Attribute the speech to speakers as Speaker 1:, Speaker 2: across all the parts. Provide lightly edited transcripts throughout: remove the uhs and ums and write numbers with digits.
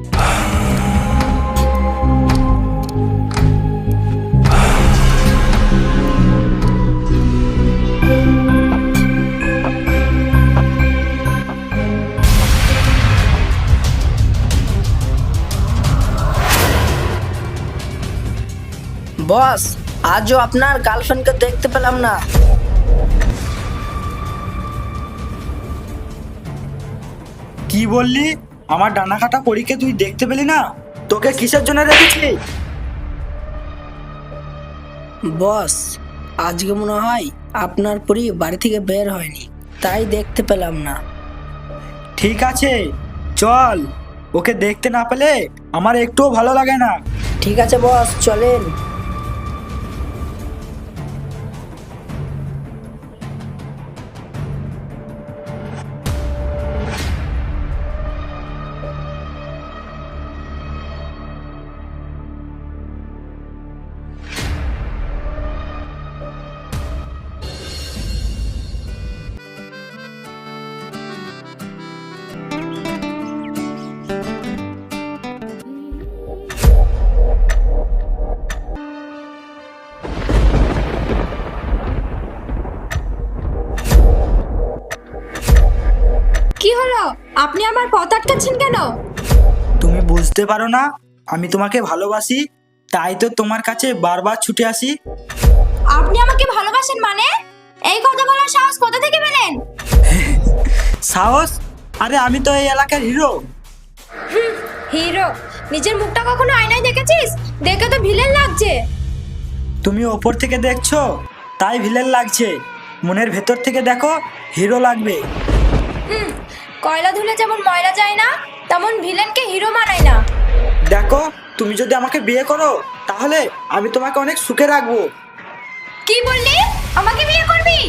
Speaker 1: বস, আজও আপনার গার্লফ্রেন্ডকে দেখতে পেলাম না।
Speaker 2: কি বললি? আমার ডানা কাটা পরীকে তুই দেখতে পেলি না? তোকে কিসের জন্য রেখেছি?
Speaker 1: বস, আজকে মনে হয় আপনার পরি বাড়ি থেকে বের হয়নি, তাই দেখতে পেলাম না।
Speaker 2: ঠিক আছে, চল। ওকে দেখতে না পেলে আমার একটুও ভালো লাগে না।
Speaker 1: ঠিক আছে বস, চলেন।
Speaker 3: কি হলো? আপনি আমার পথ আটকাচ্ছেন কেন?
Speaker 2: তুমি বুঝতে পারো না আমি তোমাকে ভালোবাসি, তাই তো তোমার কাছে বারবার ছুটে আসি।
Speaker 3: আপনি আমাকে ভালোবাসেন মানে? এই কথা বলার সাহস কোথা থেকে পেলেন?
Speaker 2: সাহস? আরে আমি তো এই এলাকার হিরো।
Speaker 3: হিরো? নিজের মুখটা কখনো আয়নায় দেখেছিস? দেখে তো ভিলেন লাগছে।
Speaker 2: তুমি ওপর থেকে দেখছো তাই ভিলেন লাগছে, মনের ভেতর থেকে দেখো হিরো লাগবে।
Speaker 3: কয়লা ধুলে যেমন ময়লা যায় না, তেমন ভিলেনকে হিরো মানায় না।
Speaker 2: দেখো, তুমি যদি আমাকে বিয়ে করো তাহলে আমি তোমাকে অনেক সুখে রাখবো।
Speaker 3: কি বললি? আমাকে বিয়ে করবি?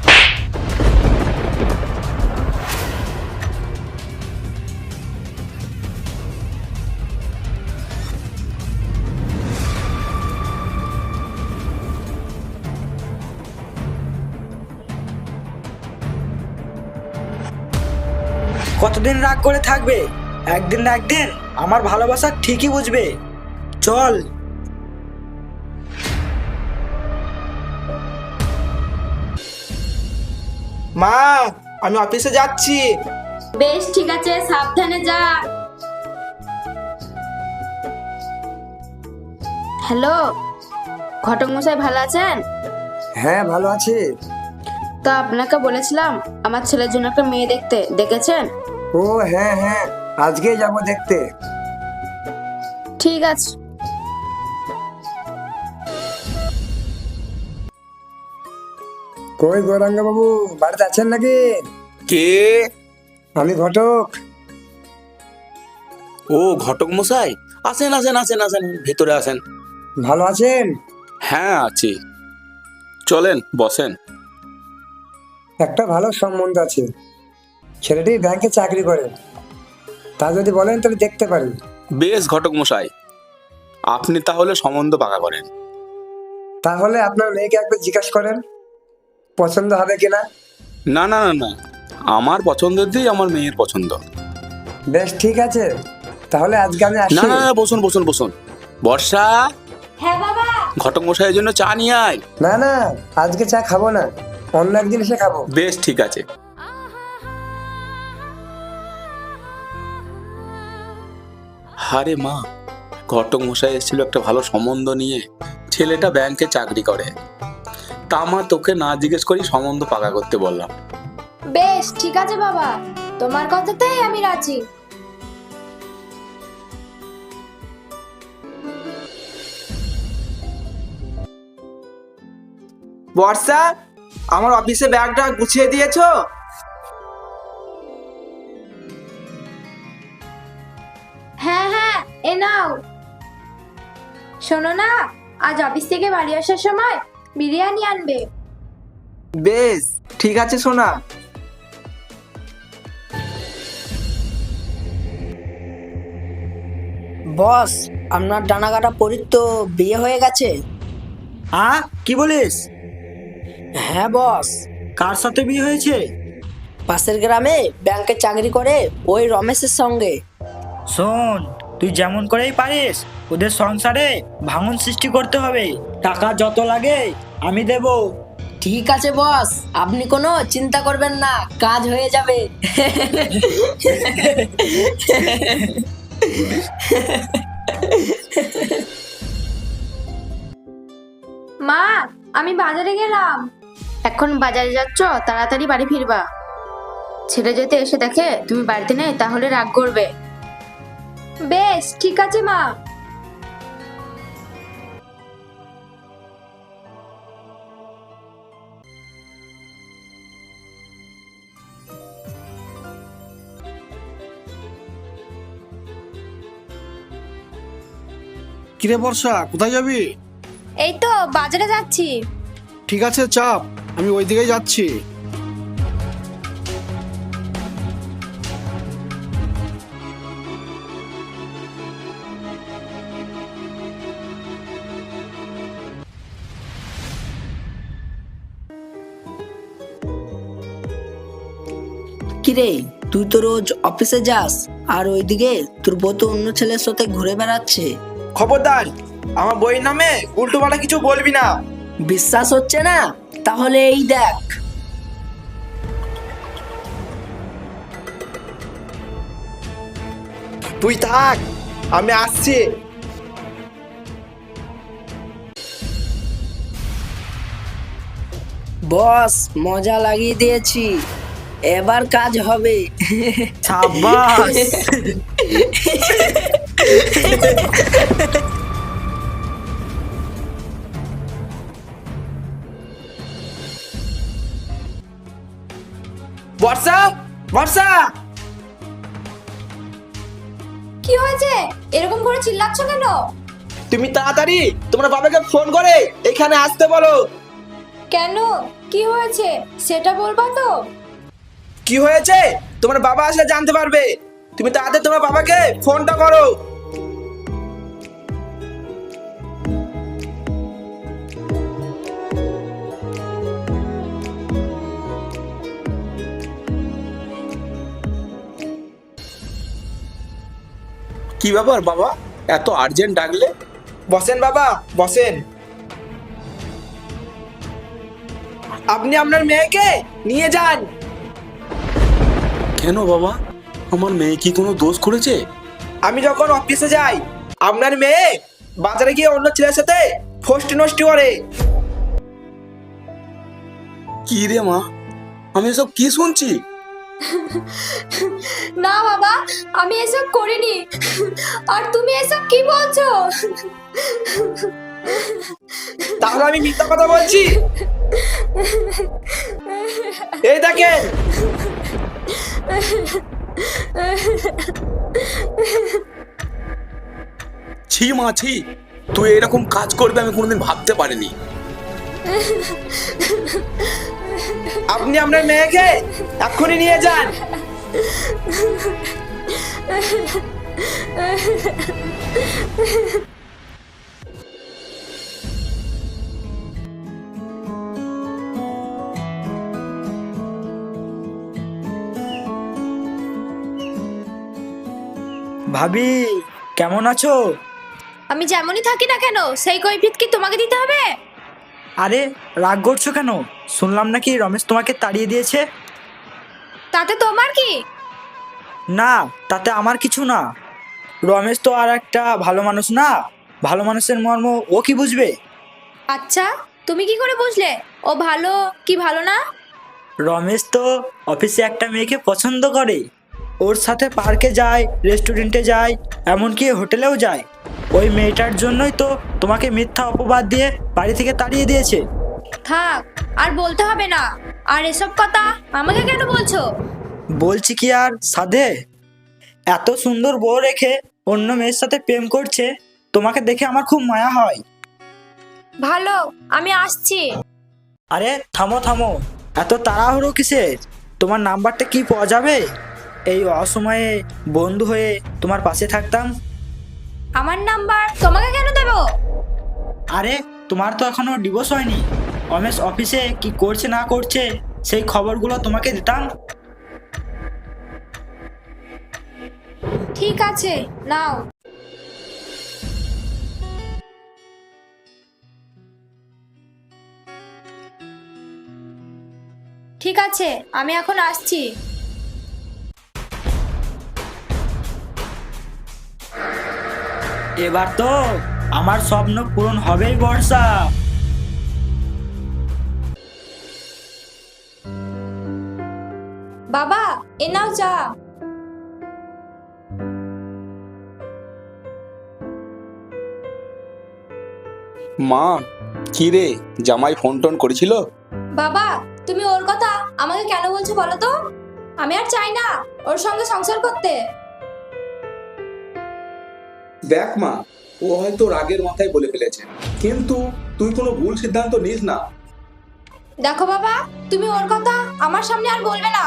Speaker 2: কতদিন রাগ করে থাকবে? একদিন না একদিন আমার ভালোবাসা ঠিকই বুঝবে। চল।
Speaker 4: মা, আমি অফিসে যাচ্ছি।
Speaker 3: বেশ ঠিক আছে, সাবধানে যা। হ্যালো, ঘটক মশাই ভালো আছেন?
Speaker 4: হ্যাঁ, ভালো আছি।
Speaker 3: তা আপনাকে বলেছিলাম আমার ছেলের জন্য একটা মেয়ে দেখতে, দেখেছেন?
Speaker 4: ও হ্যাঁ হ্যাঁ, আজকেই যাব দেখতে।
Speaker 3: ঠিক আছে।
Speaker 4: কই গৌরাঙ্গ বাবু, বাড়িতে আছেন নাকি?
Speaker 5: কে?
Speaker 4: আমি ঘটক।
Speaker 5: ও ঘটক মশাই, আসেন আসেন আসেন আসেন, ভেতরে আসেন।
Speaker 4: ভালো আছেন?
Speaker 5: হ্যাঁ আছি, চলেন বসেন।
Speaker 4: একটা ভালো সম্বন্ধ আছে, ছেলেটি ব্যাংকে চাকরি করে। তা যদি বলেন তাহলে দেখতে পারি।
Speaker 5: বেশ ঘটক মশাই, আপনি তাহলে সম্বন্ধ পাকা করেন।
Speaker 4: তাহলে আপনার মেয়েকে একবার জিজ্ঞাসা করেন পছন্দ হবে কিনা।
Speaker 5: না না না না, আমার পছন্দের দিয়ে আমার মেয়ের পছন্দ।
Speaker 4: বেশ ঠিক আছে, তাহলে আজকে আমি
Speaker 5: না
Speaker 4: আসি।
Speaker 5: না না, বসুন বসুন বসুন। বর্ষা,
Speaker 3: হ্যাঁ বাবা।
Speaker 5: ঘটক মশাইয়ের জন্য চা নিয়ে আয়।
Speaker 4: না না, আজকে চা খাবো না, অন্য একদিন এসে খাবো।
Speaker 5: বেশ ঠিক আছে। হারে মা, ঘটক মশাই এসেছিল একটা ভালো সম্বন্ধ নিয়ে। ছেলেটা ব্যাংকে চাকরি করে, তা মা তোকে না জিজ্ঞেস করি সম্বন্ধ পাকা করতে বললাম।
Speaker 3: বেশ ঠিক আছে বাবা, তোমার কথাতেই আমি রাজি।
Speaker 6: বর্ষা, আমার অফিসে ব্যাগটা গুছিয়ে দিয়েছো?
Speaker 3: হ্যাঁ হ্যাঁ, এ নাও। শোনো না, আজ অফিস থেকে বাড়ি আসার সময় বিরিয়ানি আনবে।
Speaker 6: বেশ ঠিক আছে সোনা।
Speaker 1: বস, আপনার ডানা কাটা পরীর তো বিয়ে হয়ে গেছে।
Speaker 2: কি বলিস?
Speaker 1: হ্যাঁ বস,
Speaker 2: কার সাথে বিয়ে হয়েছে?
Speaker 1: পাশের গ্রামে ব্যাংকে চাকরি করে ওই রমেশের সঙ্গে।
Speaker 2: শোন, তুই যেমন করেই পারিস ওদের সংসারে ভাঙন সৃষ্টি করতে হবে। টাকা যত লাগে আমি দেব।
Speaker 1: ঠিক আছে বস, আপনি কোনো চিন্তা করবেন না, কাজ হয়ে যাবে।
Speaker 3: মা, আমি বাজারে গেলাম। এখন বাজারে যাচ্ছ, তাড়াতাড়ি বাড়ি ফিরবা। ছেলে যদি এসে দেখে তুমি বাড়িতে নেই তাহলে রাগ করবে। বেশ, ঠিক আছে মা।
Speaker 7: কিরে বর্ষা, কোথায় যাবি?
Speaker 3: এই তো বাজারে যাচ্ছি।
Speaker 7: ঠিক আছে, চাপ, আমি ওই দিকেই যাচ্ছি।
Speaker 1: কিরে, তুই তো রোজ অফিসে যাস আর ওইদিকে তোর বউ তো অন্য ছেলের সাথে ঘুরে বেড়াচ্ছে।
Speaker 6: খবরদার, আমার বইয়ের নামে উল্টো পাল্টা কিছু বলবি না।
Speaker 1: বিশ্বাস হচ্ছে না? তাহলে এই দেখ।
Speaker 6: তুই থাক, আমি আসছি।
Speaker 1: বস, মজা লাগিয়ে দিয়েছি, এবার কাজ হবে।
Speaker 2: সাবাস।
Speaker 6: বর্ষা, বর্ষা,
Speaker 3: কি হয়েছে? এরকম করে চিল্লাচ্ছ কেন?
Speaker 6: তুমি তাড়াতাড়ি তোমার বাবাকে ফোন করে এখানে আসতে বলো।
Speaker 3: কেন, কি হয়েছে সেটা বলবা তো?
Speaker 6: কি হয়েছে তোমার বাবা আসলে জানতে পারবে। তুমি তাড়াতাড়ি তোমার বাবাকে ফোনটা করো।
Speaker 5: কি ব্যাপার বাবা, এত আর্জেন্ট ডাকলে?
Speaker 6: বসেন বাবা, বসেন। আপনি আপনার মেয়েকে নিয়ে যান।
Speaker 5: কেন বাবা, আমার মেয়ে কি কোনো দোষ করেছে?
Speaker 6: আমি যখন অফিসে যাই আপনার মেয়ে বাজারে গিয়ে অন্য ছেলের সাথে ফষ্টি নষ্টি করে।
Speaker 5: কি রে মা, আমি এসব কি শুনছি?
Speaker 3: না বাবা, আমি এসব করিনি। আর তুমি এসব কি বলছো?
Speaker 6: তাহলে আমি মিথ্যা কথা বলছি? এই দেখেন।
Speaker 5: ছি মা ছি, তুই এরকম কাজ করবে আমি কোনোদিন ভাবতে পারিনি।
Speaker 6: আপনি আপনার মেয়েকে এক্ষুনি নিয়ে যান।
Speaker 2: ভাবি, কেমন আছো?
Speaker 3: আমি যেমনই থাকি না কেন, সেই কৈফিয়ত কি তোমাকে দিতে হবে?
Speaker 2: আরে রাগ করছো কেন? শুনলাম নাকি রমেশ তোমাকে তাড়িয়ে দিয়েছে।
Speaker 3: তাতে তোমার কি?
Speaker 2: না, তাতে আমার কিছু না। রমেশ তো আর একটা ভালো মানুষ না। ভালো মানুষের মর্ম ও কি বুঝবে?
Speaker 3: আচ্ছা, তুমি কি করে বুঝলে ও ভালো কি ভালো না?
Speaker 2: রমেশ তো অফিসে একটা মেয়েকে পছন্দ করে, ওর সাথে পার্কে যায়, রেস্টুরেন্টে যায়, এমনকি হোটেলেও যায়। ওই মেয়েটার জন্যই তো তোমাকে মিথ্যা অপবাদ দিয়ে বাড়ি থেকে তাড়িয়ে দিয়েছে।
Speaker 3: থাক, আর বলতে হবে না। আর এসব কথা আমাকে কেন বলছো?
Speaker 2: বলছি কি আর সাধে? এত সুন্দর বউ রেখে অন্য মেয়ের সাথে প্রেম করছে, তোমাকে দেখে আমার খুব মায়া হয়।
Speaker 3: ভালো, আমি আসছি।
Speaker 2: আরে থামো থামো, এত তাড়াহুড়ো কিসের? তোমার নাম্বারটা কি পাওয়া যাবে? এই অসময়ে বন্ধু হয়ে তোমার পাশে থাকতাম।
Speaker 3: আমার নাম্বার তোমাকে কেন দেবো?
Speaker 2: আরে তোমার তো এখনো ডিভোর্স হয়নি। রমেশ অফিসে কি করছে না করছে সেই খবরগুলো তোমাকে দিতাম।
Speaker 3: ঠিক আছে, নাও। ঠিক আছে, আমি এখন আসছি।
Speaker 2: এবার তো আমার স্বপ্ন পূরণ হবেই বর্ষা।
Speaker 3: বাবা, এ নাও চা।
Speaker 5: মা, কি রে, জামাই ফোন টোন করেছিল?
Speaker 3: বাবা, তুমি ওর কথা আমাকে কেন বলছো বলো তো? আমি আর চাই না ওর সঙ্গে সংসার করতে।
Speaker 5: দেখ মা, ও হয়তো রাগের মাথায় বলে ফেলেছে, কিন্তু তুই কোনো ভুল সিদ্ধান্ত নিস না।
Speaker 3: দেখো বাবা, তুমি ওর কথা আমার সামনে আর বলবে না।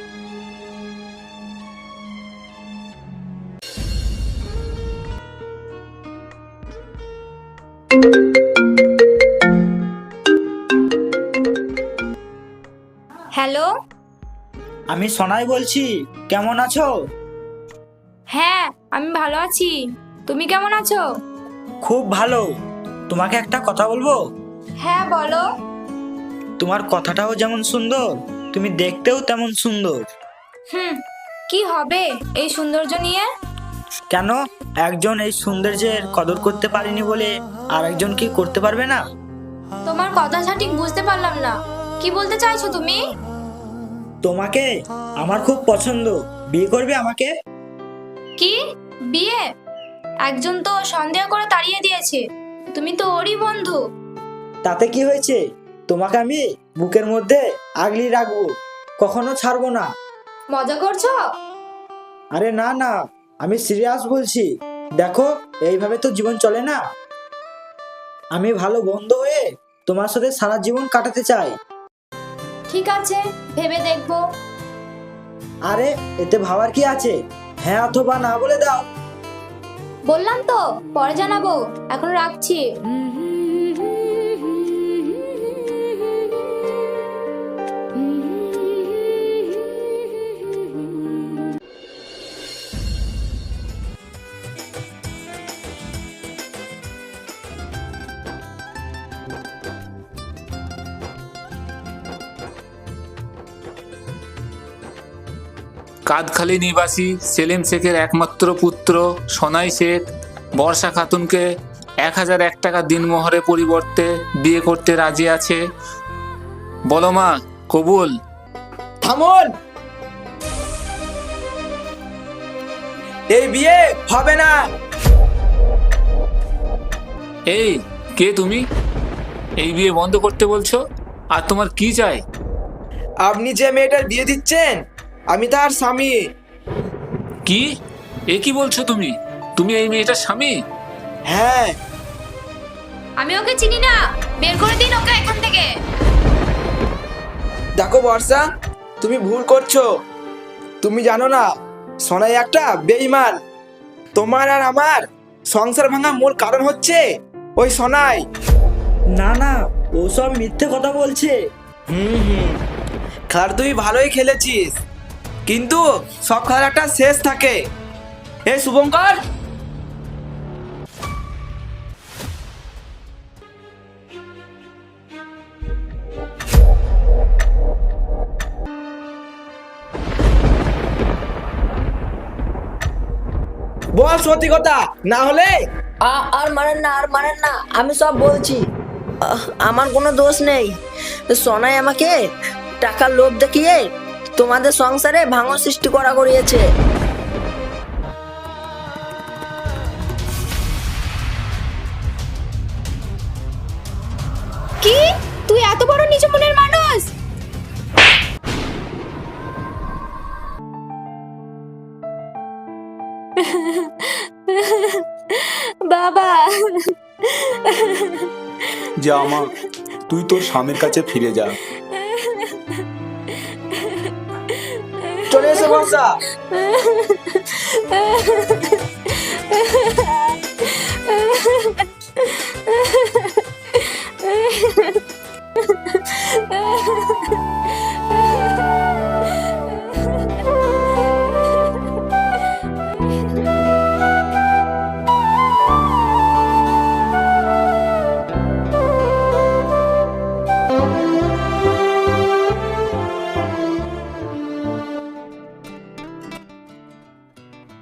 Speaker 3: হ্যালো।
Speaker 2: আমি সোনাই বলছি, কেমন আছো?
Speaker 3: হ্যাঁ, আমি ভালো আছি। তুমি কেমন আছো?
Speaker 2: খুব ভালো। তোমাকে একটা কথা বলবো?
Speaker 3: হ্যাঁ, বলো।
Speaker 2: তোমার কথাটাও যেমন সুন্দর, তুমি দেখতেও তেমন সুন্দর।
Speaker 3: কি হবে এই সৌন্দর্য নিয়ে?
Speaker 2: কেন, একজন এই সৌন্দর্যের কদর করতে পারেনি বলে আর একজন কি করতে পারবে না?
Speaker 3: তোমার কথা সঠিক বুঝতে পারলাম না, কি বলতে চাইছো তুমি?
Speaker 2: তোমাকে আমার খুব পছন্দ, বিয়ে করবে আমাকে?
Speaker 3: কি বিয়ে? একজন তো সন্দেহ করে তাড়িয়ে দিয়েছে, তুমি তো ওরই বন্ধু।
Speaker 2: তাতে কি হয়েছে? তোমাকে আমি বুকের মধ্যে আগলি রাখবো, কখনো ছাড়বো না।
Speaker 3: মজা করছো?
Speaker 2: আরে না না, আমি সিরিয়াস বলছি। দেখো, এইভাবে তো জীবন চলে না। আমি ভালো বন্ধু হয়ে তোমার সাথে সারা জীবন কাটাতে চাই।
Speaker 3: ঠিক আছে, ভেবে দেখবো।
Speaker 2: আরে এতে ভাবার কি আছে? হ্যাঁ অথবা না বলে দাও।
Speaker 3: বললাম তো পরে জানাবো, এখন রাখছি।
Speaker 8: কাদখালী নিবাসী সেলিম শেখের একমাত্র পুত্র সোনাই শেখ বর্ষা খাতুনকে 1001 টাকা দিনমোহরের পরিবর্তে বিয়ে করতে রাজি আছে। বলো মা, কবুল?
Speaker 6: থামুন, এই বিয়ে হবে না।
Speaker 8: এই, কে তুমি? এই বিয়ে বন্ধ করতে বলছো? আর তোমার কি চাই?
Speaker 6: আপনি যে মেয়েটার বিয়ে দিচ্ছেন, আমি তার স্বামী।
Speaker 8: কি? এ কি বলছো তুমি? তুমি এই মেয়েটার স্বামী?
Speaker 6: হ্যাঁ।
Speaker 3: আমি ওকে চিনি না, বের করে দিন ওকে এখান থেকে।
Speaker 6: দেখো বর্ষা, তুমি ভুল করছো। তুমি জানো না, সোনাই একটা বেঈমান। তোমার আর আমার সংসার ভাঙা মূল কারণ হচ্ছে ওই সোনাই।
Speaker 2: না না, ও সব মিথ্যে কথা বলছে।
Speaker 6: খেলার তুই ভালোই খেলেছিস, কিন্তু সব খেলার একটা শেষ থাকে। এই শুভঙ্কর, বল সত্যি কথা, না হলে
Speaker 1: আর মানেন না, আর মানেন না, আমি সব বলছি। আমার কোনো দোষ নেই। সোনাই আমাকে টাকার লোভ দেখিয়ে তোমাদের সংসারে ভাঙন সৃষ্টি করিয়েছে।
Speaker 3: কি? তুই এত বড় নিচু মনের মানুষ? বাবা,
Speaker 5: যা মা, তুই তোর স্বামীর কাছে ফিরে যা।
Speaker 6: চলে এসে বর্ষা।